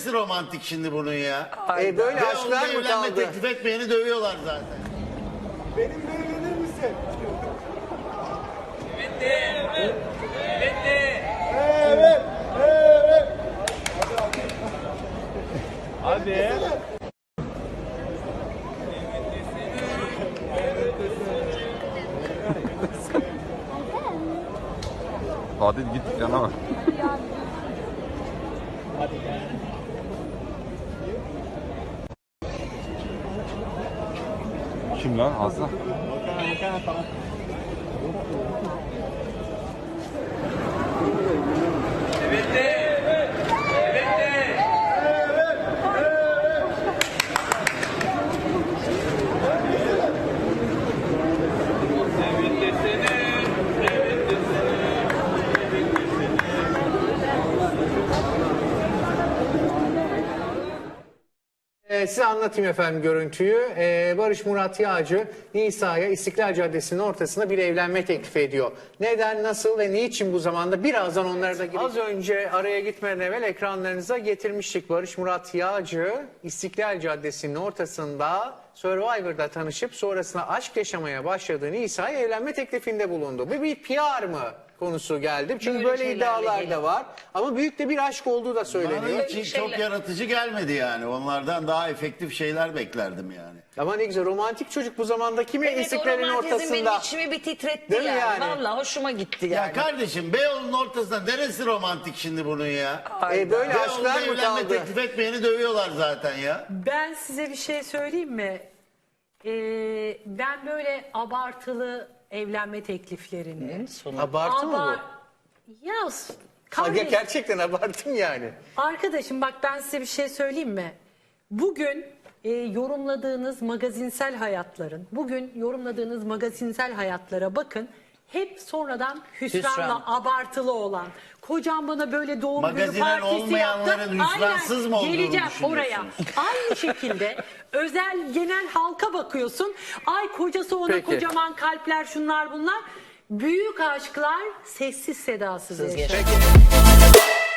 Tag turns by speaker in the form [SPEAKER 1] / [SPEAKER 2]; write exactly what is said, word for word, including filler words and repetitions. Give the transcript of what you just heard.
[SPEAKER 1] neresi romantik şimdi bunun ya?
[SPEAKER 2] E böyle aşklar mı
[SPEAKER 1] Evlenme
[SPEAKER 2] kaldı?
[SPEAKER 1] teklif etmeyeni dövüyorlar zaten.
[SPEAKER 3] Benimle evlenir misin?
[SPEAKER 4] Bitti. Bitti.
[SPEAKER 3] Evet. Evet.
[SPEAKER 4] Hadi.
[SPEAKER 5] Hadi git yana bak. Kim lan Aslı?
[SPEAKER 4] Bitti. Bitti.
[SPEAKER 2] Ee, size anlatayım efendim görüntüyü. Ee, Barış Murat Yağcı Nisa'ya İstiklal Caddesi'nin ortasında bir evlenme teklifi ediyor. Neden, nasıl ve niçin bu zamanda birazdan onlara da gireceğiz. Az önce araya gitmeden evvel ekranlarınıza getirmiştik. Barış Murat Yağcı İstiklal Caddesi'nin ortasında Survivor'da tanışıp sonrasında aşk yaşamaya başladığı Nisa'ya evlenme teklifinde bulundu. Bu bir P R mı konusu geldi? Çünkü böyle,
[SPEAKER 6] Böyle
[SPEAKER 2] böyle
[SPEAKER 6] şeylerle
[SPEAKER 2] iddialar
[SPEAKER 6] geliyor.
[SPEAKER 2] da var. Ama büyük de bir aşk olduğu da söyleniyor.
[SPEAKER 1] Bana hiç çok yaratıcı gelmedi yani. Onlardan daha efektif şeyler beklerdim yani.
[SPEAKER 2] Ama ne güzel, romantik çocuk bu zamanda kimi
[SPEAKER 6] Evet,
[SPEAKER 2] İstiklal'in
[SPEAKER 6] o romantizm
[SPEAKER 2] ortasında.
[SPEAKER 6] benim içimi bir titretti
[SPEAKER 2] Değil mi
[SPEAKER 6] yani.
[SPEAKER 2] yani?
[SPEAKER 6] Vallahi hoşuma gitti
[SPEAKER 1] Ya
[SPEAKER 6] yani.
[SPEAKER 1] kardeşim Beyoğlu'nun ortasında neresi romantik şimdi bunun ya?
[SPEAKER 2] E, böyle
[SPEAKER 1] Beyoğlu'nda
[SPEAKER 2] aşklar mı
[SPEAKER 1] evlenme
[SPEAKER 2] kaldı?
[SPEAKER 1] teklif etmeyeni dövüyorlar zaten ya.
[SPEAKER 7] Ben size bir şey söyleyeyim mi? Ee, ben böyle abartılı evlenme tekliflerini...
[SPEAKER 2] Abartı mı
[SPEAKER 7] Abar-
[SPEAKER 2] bu?
[SPEAKER 7] Ya
[SPEAKER 2] Ha,
[SPEAKER 7] kardeş,
[SPEAKER 2] gerçekten abartım yani.
[SPEAKER 7] arkadaşım bak ben size bir şey söyleyeyim mi? Bugün e, yorumladığınız magazinsel hayatların, bugün yorumladığınız magazinsel hayatlara bakın. Hep sonradan hüsranla
[SPEAKER 6] Hüsran.
[SPEAKER 7] abartılı olan. Kocam bana böyle doğum günü
[SPEAKER 1] Magazinen
[SPEAKER 7] partisi
[SPEAKER 1] olmayanların
[SPEAKER 7] yaptı.
[SPEAKER 1] hüsransız
[SPEAKER 7] Aynen,
[SPEAKER 1] mı olduğunu
[SPEAKER 7] geleceğim
[SPEAKER 1] düşünüyorsunuz?
[SPEAKER 7] oraya. Aynı şekilde özel genel halka bakıyorsun. Ay kocası ona
[SPEAKER 2] Peki.
[SPEAKER 7] kocaman kalpler, şunlar bunlar. Büyük aşklar sessiz sedasız yaşanır.
[SPEAKER 2] Peki.